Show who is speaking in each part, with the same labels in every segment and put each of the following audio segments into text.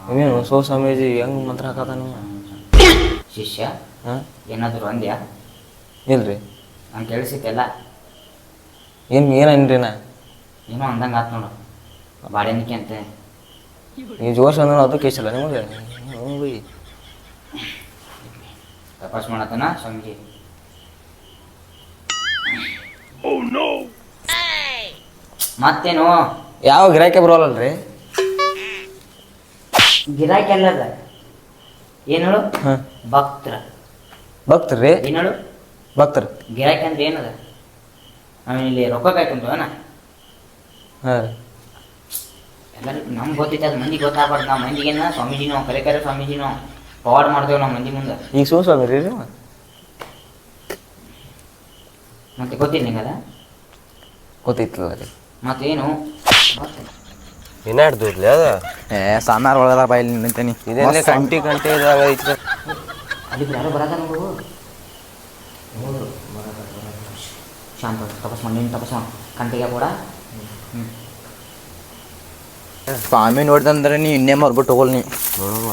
Speaker 1: ನೀವೇನು ಸೋ ಸ್ವಾಮೀಜಿ ಹೆಂಗೆ ಮಂತ್ರ ಹಾಕದ ನೀವು
Speaker 2: ಶಿಷ್ಯ
Speaker 1: ಹಾಂ
Speaker 2: ಏನಾದರೂ ಅಂದ್ಯಾ?
Speaker 1: ಇಲ್ರಿ
Speaker 2: ನಂಗೆ ಕೇಳಿಸಿದ್ದೆಲ್ಲ
Speaker 1: ಏನೇನ್ರಿ ನಾ
Speaker 2: ಏನೋ ಅಂದಂಗೆ ಆತು ನೋಡು, ಬಾಳೆನಿಕೆ ಅಂತ.
Speaker 1: ನೀವು ಜೋಶ್ ಅಂದ್ರೆ ಅದು ಕೇಸಲ್ಲ ನಿಮಗೆ ಬೈ
Speaker 2: ತಪಾಸ್ ಮಾಡತ್ತನ ಸ್ವಾಮೀಜಿ. ಮತ್ತೇನು
Speaker 1: ಯಾವ ಗಿರಾಕಿ ಬರೋಲ್ಲಲ್ರಿ?
Speaker 2: ಗಿರಾಕಿ ಅಲ್ಲದ ಏನು ಹೇಳು?
Speaker 1: ಹಾಂ
Speaker 2: ಭಕ್ತರ.
Speaker 1: ಭಕ್ತರ್ರಿ?
Speaker 2: ಏನು ಹೇಳು?
Speaker 1: ಭಕ್ತರು.
Speaker 2: ಗಿರಾಕಿ ಅಂದ್ರೆ ಏನದ? ಆಮೇಲೆ ಇಲ್ಲಿ ರೊಕ್ಕ ಕಾಯ್ಕೊಂತವನ
Speaker 1: ಹಾಂ ರೀ.
Speaker 2: ಎಲ್ಲರಿಗೂ ನಮ್ಗೆ ಗೊತ್ತೈತೆ, ಅದು ಮಂದಿಗೆ ಗೊತ್ತಾಗ್ಬಾರ್ದು. ನಾವು ಮಂದಿಗೇನ ಸ್ವಾಮೀಜಿನೋ ಕರೆ ಸ್ವಾಮೀಜಿನೋ ಫಾರ್ವರ್ಡ್ ಮಾಡ್ತೇವೆ ನಾವು ಮಂದಿ ಮುಂದೆ.
Speaker 1: ಈಗ ಸ್ವಾಮಿ ರೀ
Speaker 2: ಮತ್ತೆ ಗೊತ್ತಿಲ್ಲ ನಿಂಗದ?
Speaker 1: ಗೊತ್ತೈತಿಲ್ಲ ರೀ.
Speaker 2: ಮತ್ತೇನು
Speaker 3: ಏನಾಡ್ದು ಇರ್ಲಿ ಅದ
Speaker 4: ಸಾಮಾರು ಒಳಗದ ಬಾಯಲ್ಲಿ ನಿಂತೇನಿ.
Speaker 3: ಇದೆಲ್ಲ ಕಂಟಿ ಇದಾಗ ಐತಿ.
Speaker 2: ಅಲ್ಲಿ ಯಾರೋ ಬರದ ನೋಡು. ಶಾಂತ ತಪಸ್ ಮಾಡಿ, ನೀನು ತಪಸ್ ಮಾಡಿ ಕಂಟಿಗೆ ಕೂಡ.
Speaker 4: ಸ್ವಾಮಿ ನೋಡ್ದಂದ್ರೆ ನೀ ಇನ್ನೇ ಮರ್ಬಿಟ್ಟು ಹೋಗಲ್ ನೀ
Speaker 3: ನೋಡುವ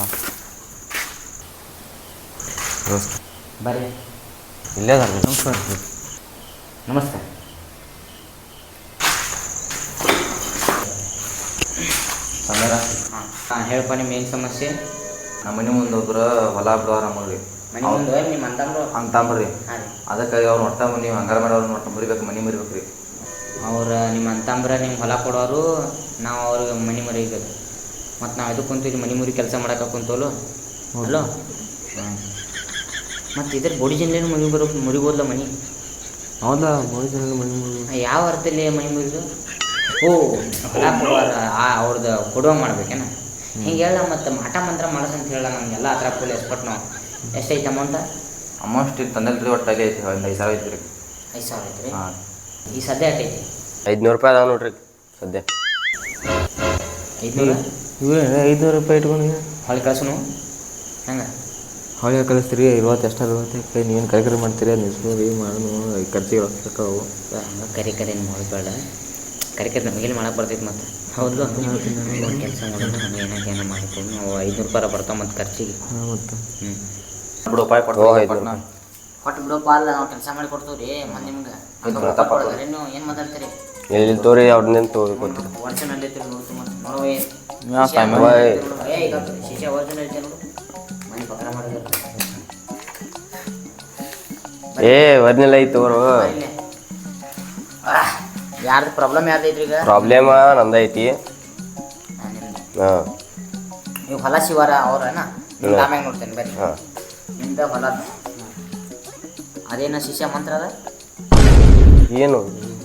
Speaker 2: ಬರ್ರಿ.
Speaker 3: ಇಲ್ಲೇ ಅದ
Speaker 2: ನಮಸ್ಕಾರ. ಹಾಂ ಹೇಳಪ್ಪ, ನಿಮ್ಮ ಏನು ಸಮಸ್ಯೆ?
Speaker 4: ನಮ್ಮ ಮನೆ ಮುಂದೆ ಹೋದ್ರೆ ಹೊಲ ಬಿಡೋರ ಮಾಡ್ರಿ
Speaker 2: ಮನೆ ಮುಂದೆ ನಿಮ್ಮ ಅಂತಂದ್ರು
Speaker 4: ಅಂತಂಬ್ರಿ.
Speaker 2: ಹಾಂ ರೀ.
Speaker 4: ಅದಕ್ಕಾಗಿ ಅವ್ರು ಒಟ್ಟ ನೀವು ಹಂಗಾರ ಮಾಡೋರು ಒಟ್ಟು ಮುರಿಬೇಕು, ಮನೆ ಮುರಿಬೇಕು ರೀ.
Speaker 2: ಅವ್ರು ನಿಮ್ಮ ಅಂತಂಬ್ರ ನಿಮ್ಗೆ ಹೊಲ ಕೊಡೋರು, ನಾವು ಅವ್ರಿಗೆ ಮನೆ ಮುರಿಬೇಕು. ಮತ್ತು ನಾವು ಎದಕ್ಕೆ ಕುಂತೀವಿ? ಮನೆ ಮುರಿ ಕೆಲಸ ಮಾಡಕ್ಕೆ ಕುಂತೋಲು ಅಲ್ಲೋ. ಮತ್ತು ಇದ್ರ ಬೋಡಿ ಜನ್ಲೇನು ಮುರಿಬೋದಲ್ಲ ಮನೆ?
Speaker 1: ಹೌದಾ ಮನೆ
Speaker 2: ಯಾವ ಅರ್ಥದಲ್ಲಿ ಮನೆ ಮುರಿದು? ಓ ಹೊಲ ಕೊಡುವಾರ ಅವ್ರದ್ದು ಕೊಡುವ ಮಾಡ್ಬೇಕೇನ? ಹಿಂಗೆ ಹೇಳ. ಮತ್ತು ಮಾಟ ಮಂತ್ರ ಮಾಡಸಂತ ಹೇಳ. ನಮಗೆಲ್ಲ ಆ ಥರ ಫುಲ್ ಎಕ್ಸ್ಪರ್ಟ್ ನಾವು. ಎಷ್ಟೈತೆ ಅಮೌಂಟ?
Speaker 4: ಅಮೌಂಟ್ ತಂದಲ್ರಿ ಒಟ್ಟು ಅಲ್ಲಿ ಐತಿ, ಒಂದು 5,000 ಐತಿ ರೀ.
Speaker 2: 5,000 ಐತೆ ರೀ?
Speaker 4: ಹಾಂ.
Speaker 2: ಈ ಸದ್ಯ ಆಟೈತಿ
Speaker 3: 500 ರೂಪಾಯಿ ಅದಾವ ನೋಡ್ರಿ ಸದ್ಯ.
Speaker 2: 500?
Speaker 1: ಇವ್ರೆ 500 ರೂಪಾಯಿ ಇಟ್ಕೊಂಡು
Speaker 2: ಹೊಳೆ ಕಳ್ಸನು ಹೆಂಗೆ?
Speaker 1: ಹೊಳೆ ಕಳಿಸ್ತೀರಿ 50 ಎಷ್ಟು 60 ನೀವೇನು ಕರೆ ಮಾಡ್ತೀರಿ? ಅದು ನಿಲ್ಸ್ರಿ ಮಾಡೋಣ, ಖರ್ಚಿಗೆ ರೊಕ್ಕವು
Speaker 2: ಹಂಗೆ ಕರೆ ಮಾಡಬೇಡ. ಕರೆ ನಮಗೆಲ್ಲಿ ಮಾಡಕ್ಕೆ ಬರ್ತೈತೆ ಮತ್ತು. ಹೌದು ಕೆಲಸ ಮಾಡೋದು ನಮಗೆ ಏನೋ ಮಾಡಿಕೊಂಡು ನಾವು 500 ರೂಪಾಯಿ ಬರ್ತಾವೆ ಮತ್ತು ಖರ್ಚಿಗೆ.
Speaker 1: ಹಾಂ ಮತ್ತು
Speaker 4: ಬಿಡು ಉಪಾಯ ಕೊಟ್ಟು
Speaker 2: ಕೊಟ್ಟು ಬಿಡೋಪ್ಪ. ಅಲ್ಲ ನಾವು ಕೆಲಸ ಮಾಡಿ ಕೊಡ್ತೀವಿ ರೀ ಮತ್ತು ನಿಮ್ಗೆ. ನೀವು ಏನು ಮಾತಾಡ್ತೀರಿ?
Speaker 3: ಎಲ್ಲಿ ತೋರಿ ಅವ್ರನ್ನೇನು ತೋರಿಕೊಡ್ತೀರಿ?
Speaker 2: ಒರಿಜಿನಲ್ ಐತಿ ನೋಡ್ತು ಮತ್ತು ನೋಡುವ ಶಿಷ್ಯ ಒರಿಜಿನಲ್ ಐತೆ ನೋಡು. ಮನೆ ಪಕ್ಕ ಮಾಡಿದ್ರು
Speaker 3: ಒರಿಜಿನಲ್ ಐತಿ ತೋರು.
Speaker 2: ಯಾರ್ದು ಪ್ರಾಬ್ಲಮ್ ಯಾರ್ದೈತ್ರಿ ಈಗ?
Speaker 3: ಪ್ರಾಬ್ಲಮ್ ನಮ್ದೈತಿ. ಹಾಂ
Speaker 2: ನೀವು ಹೊಲ ಶಿವಾರ ಅವ್ರನ ನಿಮ್ದು ಆಮ್ಯಾಗ ನೋಡ್ತೇನೆ ಬರ್ರಿ.
Speaker 3: ಹಾಂ
Speaker 2: ನಿಮ್ದು ಹೊಲ ಅದೇನ ಶಿಷ್ಯ ಮಂತ್ರ ಅದ?
Speaker 3: ಏನು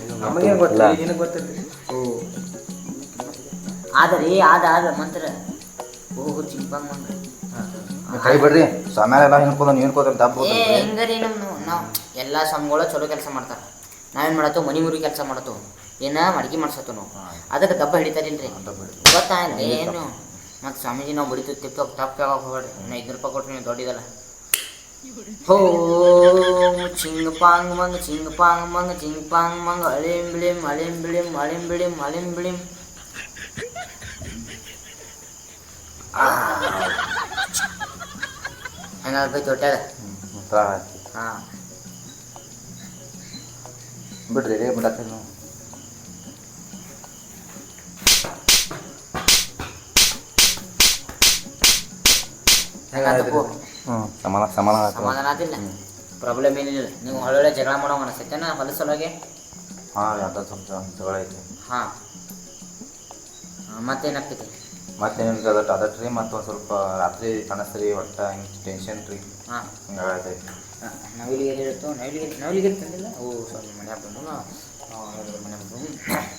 Speaker 2: ಆದ್ರಿ ಆದ ಮಂತ್ರ. ಓಹೋ ಚಿಂಪಂಗ್ ಮಂತ್ರ.
Speaker 4: ಕೈ ಬಿಡ್ರಿ. ಸ್ವಾಮ್ಯಾರ ಎಲ್ಲ ಹೇಳ್ಕೋದ ನೀವು ಹೇಳ್ಕೋದ್ರ ತಪ್ಪು.
Speaker 2: ಹೆಂಗರಿ ನಾವು ಎಲ್ಲ ಸ್ವಾಮಿಗಳು ಚಲೋ ಕೆಲಸ ಮಾಡ್ತಾರೆ. ನಾವೇನು ಮಾಡತ್ತೋ ಮನೆ ಮುರಿ ಕೆಲಸ ಮಾಡತ್ತೋ, ಏನ ಮಡಿಕೆ ಮಾಡ್ಸತ್ತು ನಾವು. ಅದಕ್ಕೆ ದಬ್ಬ ಹಿಡಿತಾರಿಲ್ರಿ ಗೊತ್ತಾಗಲಿ ಏನು? ಮತ್ತು ಸ್ವಾಮೀಜಿ ನಾವು ಬಡಿತು ತಪ್ಪು ಯಾವಾಗ ಹೋಗ್ಬೇಡ್ರಿ. 500 ರೂಪಾಯಿ ಕೊಟ್ಟರೆ ನೀವು ದೊಡ್ಡದಲ್ಲ. ಹೋ ಚಿಂಗ್ ಪಾಂಗ್ ಮಂಗ್ ಚಿಂಗ್ ಪಾಂಗ್ ಮಂಗ್ ಚಿಂಗ್ ಪಾಂಗ್ ಮಂಗ್ ಅಳಿಂ ಬಿಳಿಂ ಅಳಿಂ ಬಿಳಿಂ ಅಳಿಂ ಬಿಳಿಂ ಅಳಿಂ ಬಿಳಿಂ. ಹೆಂಗಾಗ್ಬೇಕು ದೊಡ್ಡದ? ಹಾಂ
Speaker 4: ಬಿಡ್ರಿ ರೇ ಬಿಡತ್ತೆ ನಾವು.
Speaker 2: ಹೆಂಗಾಗ್ಬೇಕು?
Speaker 4: ಸಮಾಧಾನ
Speaker 2: ಆದಿಲ್ಲ, ಪ್ರಾಬ್ಲಮ್ ಏನಿಲ್ಲ. ನೀವು ಒಳ್ಳೊಳ್ಳೆ ಜಗಳ ಮಾಡೋ ಅನಿಸ್ತೈತೆನ ಹೊಲ ಸಲುವಾಗಿ?
Speaker 4: ಹಾಂ ಅದ ಸ್ವಲ್ಪ ಜಗಳ ಐತಿ.
Speaker 2: ಹಾಂ ಮತ್ತೇನಾಗ್ತೈತಿ?
Speaker 4: ಮತ್ತೇನಿಲ್ಲ ಅದಟ್ಟು ರೀ. ಮತ್ತು ಒಂದು ಸ್ವಲ್ಪ ರಾತ್ರಿ ಕಾಣಿಸ್ತೀರಿ ಒಟ್ಟು ಹಿಂಗೆ ಟೆನ್ಷನ್ ರೀ.
Speaker 2: ಹಾಂ
Speaker 4: ಹಿಂಗಾಗೈತಿ.
Speaker 2: ನವಿಲಿಗೆ ಇರುತ್ತೋ? ನವಿಲಿಗೆ ತಂದಿಲ್ಲ? ಓ ಸಾರಿ, ಮನೆ ಬಂದು ಮನೆ ಬಂದು